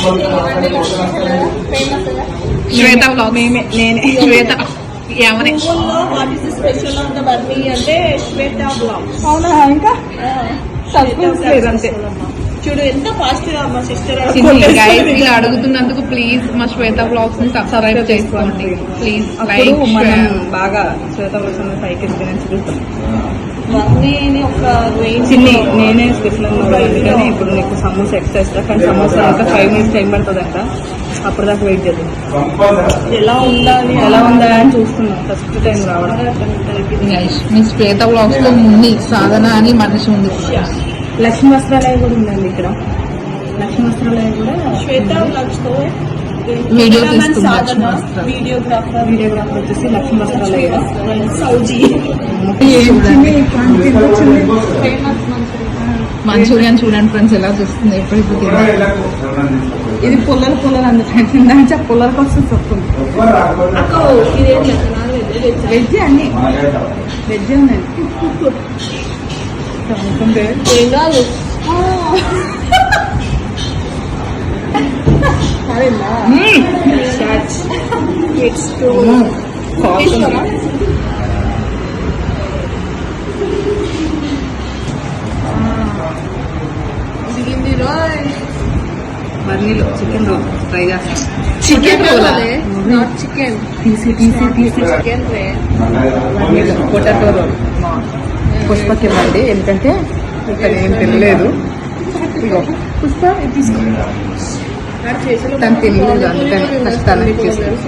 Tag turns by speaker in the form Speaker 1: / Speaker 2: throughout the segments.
Speaker 1: శ్వేత blog నేనే శ్వేత ఏమని
Speaker 2: what is the special of the Barney అంటే శ్వేత బ్లాగ్.
Speaker 1: అవునా ఇంకా అంతే
Speaker 2: చూడు ఎంత ఫాస్ట్ గా మా సిస్టర్
Speaker 1: గైస్ ఇలా అడుగుతున్నందుకు ప్లీజ్ మా శ్వేత బ్లాగ్స్ ని సబ్స్క్రైబ్ చేసుకోండి ప్లీజ్.
Speaker 2: మనం బాగా శ్వేత బ్లాగ్స్ పైకి ఎక్స్పీరియన్స్ చూస్తాం. బర్నీని ఒక నేనే స్పెషల్ అందుకని ఇప్పుడు నీకు సమోసా ఎక్స్ట్రా ఇస్తా. కానీ సమోసా ఇంకా 5 minutes టైం పడుతుందంట. అప్పుడు దాకా వెయిట్ చేద్దాం. ఎలా ఉందా అని చూస్తున్నాం ఫస్ట్ టైం రావడం.
Speaker 1: మీ శ్వేత బ్లాగ్స్ లో ఉంది సాధన అని మనిషి ఉంది.
Speaker 2: లక్ష్మీ వస్త్రాలయ కూడా ఉందండి ఇక్కడ. లక్ష్మీ వస్త్రాలయ కూడా శ్వేత బ్లాగ్స్ తో
Speaker 1: వీడియో తీస్తుంది.
Speaker 2: వీడియోగ్రాఫర్ వచ్చేసి లక్ష్మీ వస్త్రాలయ సౌజీ.
Speaker 1: మంచూరియన్ చూడండి ఫ్రెండ్స్ ఎలా చూస్తుంది ఎప్పుడెప్పుడు
Speaker 2: ఇది పుల్లలు అందుకంటే దాని పుల్లలకు వస్తుంది చెప్తుంది. వెజ్ అన్ని వెజ్ ఉన్నాయి. ఏం కాదు బర్నీలో చికెన్ రోల్ ట్రై చేస్తాం.
Speaker 1: చికెన్ రోల్
Speaker 2: చికెన్ తీసి చికెన్ బర్నీలో పొటాటో రోల్ పుష్పకి ఇవ్వండి. ఎందుకంటే ఇక్కడ ఏం తినలేదు. ఇగో పుష్ప తీసుకో. తను తినలేదు అందుకని ఫస్ట్ తనకి ఇచ్చేసాను.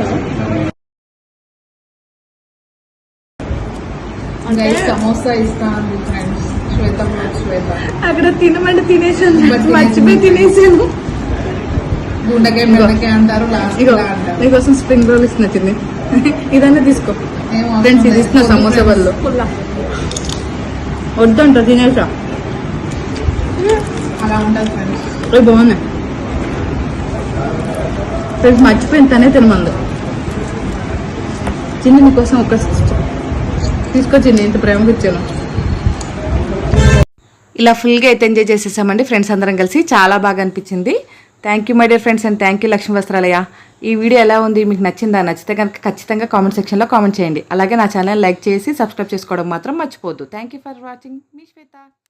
Speaker 1: సమోసా ఇస్తా అండి ఫ్రెండ్స్. శ్వేత
Speaker 2: అక్కడ తినమంటే తినేసాను, మర్చిపోయి తినేసాను.
Speaker 1: గుండెకాయ బెండకాయ అంటారు.
Speaker 2: నీకోసం స్ప్రింగ్ రోల్ ఇస్తున్నా తిని. ఇదన్నా తీసుకో ఫ్రెండ్స్. ఇది ఇస్తున్నా సమోసా వాళ్ళు వద్దంట తినేసా.
Speaker 1: అలా ఉంటుంది ఫ్రెండ్స్.
Speaker 2: అవి బాగున్నాయి ఫ్రెండ్స్. మర్చిపోయింది తనే తినమంది. చిన్ని నీకోసం ఒక తీసుకొచ్చింది. ఇంత ప్రేమగా ఇచ్చాను.
Speaker 3: ఇలా ఫుల్గా అయితే ఎంజాయ్ చేసేసామండి ఫ్రెండ్స్ అందరం కలిసి. చాలా బాగా అనిపించింది. Thank you my dear friends and thank you Lakshmi Vastralaya. ఈ వీడియో ఎలా ఉంది, మీకు నచ్చిందా? నచ్చితే కనుక ఖచ్చితంగా కామెంట్ సెక్షన్లో కామెంట్ చేయండి. అలాగే నా ఛానల్ లైక్ చేసి సబ్స్క్రైబ్ చేసుకోవడం మాత్రం మర్చిపోవద్దు. Thank you for watching. మీ శ్వేత.